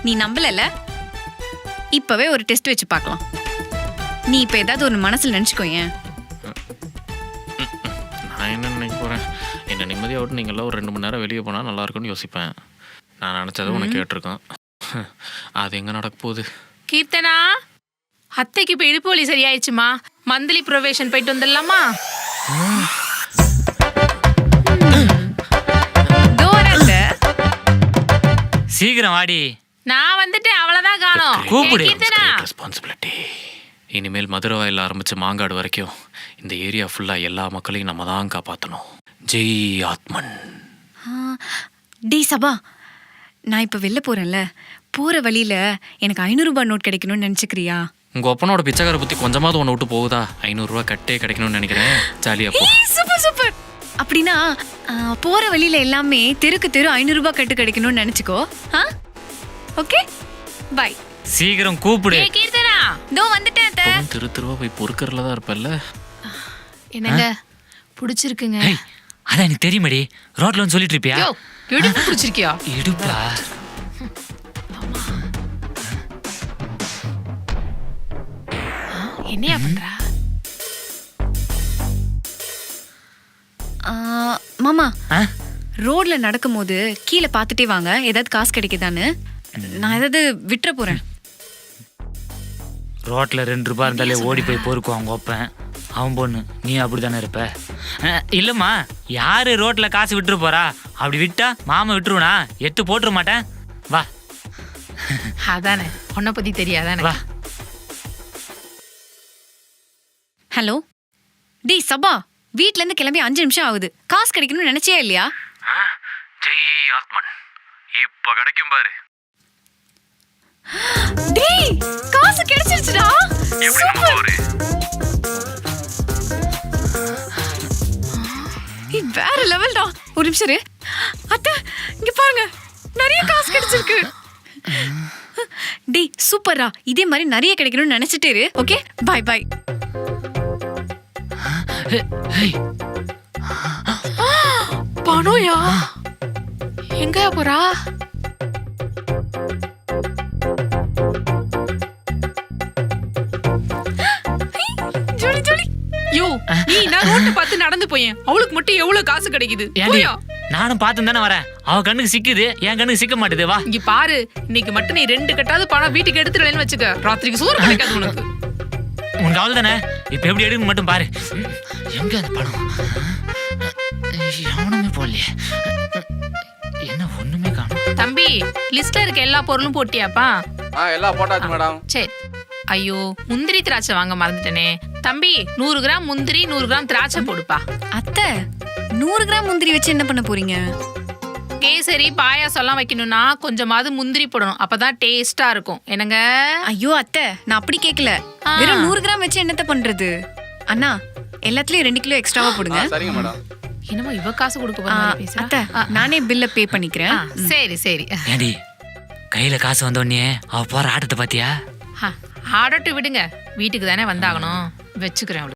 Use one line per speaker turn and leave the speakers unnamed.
நீ நம்பலல? இப்பவே ஒரு டெஸ்ட் வச்சு பார்க்கலாம். நீ இப்ப ஏதாவது ஒரு மனசுல நினைச்சுக்கோயேன்.
நான் என்ன நினைக்க போகிறேன், என்னை நிம்மதியாக விட்டு நீங்கள்லாம் ஒரு 2 மணி நேரம் வெளியே போனால் நல்லா இருக்கும்னு யோசிப்பேன். நான் நினச்சதை உனக்கு கேட்டிருக்கேன். அது எங்கே நடக்க போகுது?
கீர்த்தனா, அத்தைக்கு இப்போ இடுப்பு வலி சரியாயிடுச்சுமா. மந்த்லி ப்ரொவேஷன் போயிட்டு வந்துடலாமா?
சீக்கிரம் வாடி.
நான் வந்துட்டேன், அவ்வளவுதான் காணோம்.
கூப்பிடு.
கீர்த்தனா,
ரெஸ்பான்சிபிலிட்டி. இனிமேல் மதுரை வாயில் ஆரம்பித்து மாங்காடு வரைக்கும் இந்த ஏரியா ஃபுல்லாக எல்லா மக்களையும் நம்ம தான் காப்பாற்றணும். ஜெய் ஆத்மன்.
டி சபா, நான் இப்ப வெளில போறேன்ல, போற வழியில எனக்கு 500 ரூபாய் நோட் கிடைக்கணும்னு நினைச்சுக்கிறியா?
உங்கள் ஒப்பனோட பிச்சைக்கார புத்தி கொஞ்சமாவது ஒன்று விட்டு போகுதா? 500 ரூபா கட்டே கிடைக்கணும்னு நினைக்கிறேன். ஜாலியாக போ.
Super super. அப்படின்னா போற வழியில எல்லாமே தெருக்கு தெரு 500 ரூபாய் கட்டு கிடைக்கணும்னு நினைச்சுக்கோ. Okay, bye.
சீக்கிரம் கூப்பிடு.
கீர்த்தனா,
தோ வந்துட்டேன் அத்தை.
திரு திருவா போய் பொறுக்கறதுல தான் இருப்பல்ல.
என்னங்க பிடிச்சிருக்குங்க?
அதான் எனக்கு தெரியுமாடி, ரோட்ல வந்து சொல்லிட்டு இருப்பியா?
இடுப்பு பிடிச்சிருக்கியா?
இடுப்பா?
என்னையா பண்றா?
மாமா, ரோட்ல நடக்கும்போது கீழே பார்த்துட்டே வாங்க, ஏதாவது காசு கிடைக்குதான்னு. நான் ஏதாவது விட்டுற போறேன்.
ரோட்ல 2 ரூபாய் இருந்தாலே ஓடி போய் பொறுக்குவான் அவங்க ஒப்பன். அவன் பொண்ணு, நீ அப்படித்தானே இருப்ப? இல்லம்மா, யாரு ரோட்ல காசு விட்டுரு போறா? அப்படி விட்டா மாமா விட்டுருவனா? 8 போட்டுற மாட்டேன். வா.
அதானே, உன்னை பத்தி தெரியாதானே?
வா.
ஹலோ டி சபா, வீட்ல இருந்து கிளம்பி 5 நிமிஷம் ஆகுது. காசு கிடைக்கணும்னு நினைச்சே இல்லையா?
ஜெய் ஆத்மன், இப்ப கிடைக்கும் பாரு.
டேய், காசு கிடைச்சிருச்சுடா. சூப்பர். வேற லெவல்டா. ஒரு நிமிஷம் இரு. அத்தை, இங்க பாருங்க, நிறைய காசு கிடைச்சிருக்கு. டேய் சூப்பரா, இதே மாதிரி நிறைய கிடைக்கணும்னு நினைச்சிட்டே இரு. Okay, bye bye.
பணம்யா? எங்க போறா?
ஜோலி ஜோலி.
யோ, நீ நான் ரோட்ட பார்த்து நடந்து போயேன், அவளுக்கு மட்டும் எவ்வளவு காசு கிடைக்குது? போயா.
நானும் பார்த்து தானே வரேன். அவ கண்ணுக்கு சிக்குது, என் கண்ணுக்கு சிக்க மாட்டேது. வா.
இங்க பாரு, இன்னைக்கு மட்டும் நீ 2 கட்டாவது பணம் வீட்டுக்கு எடுத்துடலன்னு வச்சுக்க, ராத்திரிக்கு சோறு கிடைக்காது உனக்கு.
உனக்கு அவள் தானே, இப்ப எப்படி எடுக்கணும் மட்டும் பாரு. எங்க அந்த பணம்? எவனுமே போடலையே. என்ன ஒண்ணுமே காணும்?
தம்பி, லிஸ்ட்ல இருக்க எல்லா பொருளும் போட்டியாப்பா?
எல்லாம் போட்டாச்சு மேடம்.
சரி. ஐயோ, முந்திரி திராட்சை வாங்க மறந்துட்டேனே. தம்பி, 100 கிராம் முந்திரி, 100 கிராம் திராட்சை போடுப்பா.
அத்தை, 100 கிராம் முந்திரி வச்சு என்ன பண்ண போறீங்க?
கேசரி பாயாசம் எல்லாம் வைக்கணும்னா கொஞ்சமாவது முந்திரி போடணும், அப்பதான் டேஸ்டா இருக்கும். என்னங்க?
ஐயோ அத்தை, நான் அப்படி கேட்கல. வெறும் 100 கிராம் வச்சு என்னத்த பண்றது? அண்ணா, எல்லாத்துலயும் 2 கிலோ எக்ஸ்ட்ராவா போடுங்க.
சரிங்க மேடம்.
என்னமோ இவ காசு கொடுக்க போற மாதிரி பேசுறா.
அத்தை, நானே பில்ல பே பண்ணிக்கிறேன்.
சரி சரி.
ஏண்டி, கையில காசு வந்த உடனே அவ போற ஆட்டத்தை பாத்தியா?
ஆடட்டு விடுங்க, வீட்டுக்கு தானே வந்தாகணும். வச்சுக்கிறேன்.